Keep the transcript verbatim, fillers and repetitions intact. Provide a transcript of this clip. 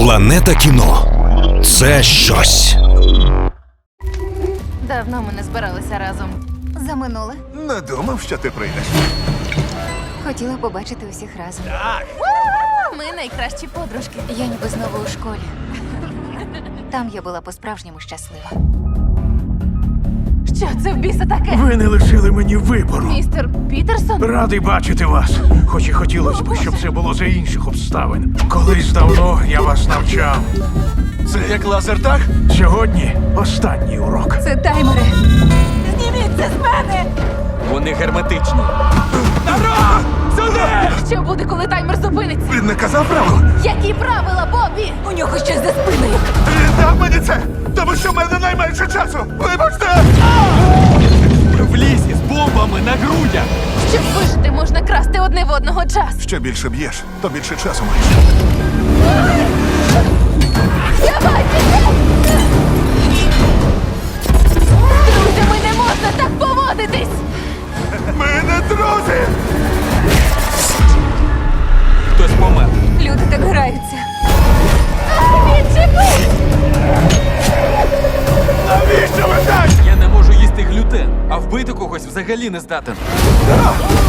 Планета кіно – це щось. Давно ми не збиралися разом. За минуле. Не думав, що ти прийдеш. Хотіла побачити усіх разом. Ми найкращі подружки. Я ніби знову у школі. Там я була по-справжньому щаслива. Що це в біса таке? Ви не лишили мені вибору. Містер Пітерсон? Радий бачити вас. Хоч і хотілося б, щоб це було за інших обставин. Колись давно я вас навчав. Це як лазертаг? Сьогодні останній урок. Це таймери. Зніміть це з мене! Вони герметичні. Що буде, коли таймер зупиниться? Він не казав правил? Які правила, Бобі? У нього щось за спиною. Він дав мені це, тому що в мене найменше часу. Вибачте! В лісі з бомбами на грудях. Щоб вижити, можна красти одне в одного час. Що більше б'єш, то більше часу маєш. З друзями не можна так поводитись! Ми не друзі! Хтось помер. Люди так граються. Відчепись! Навіщо ви так? Я не можу їсти глютен, а вбити когось взагалі не здатен. А!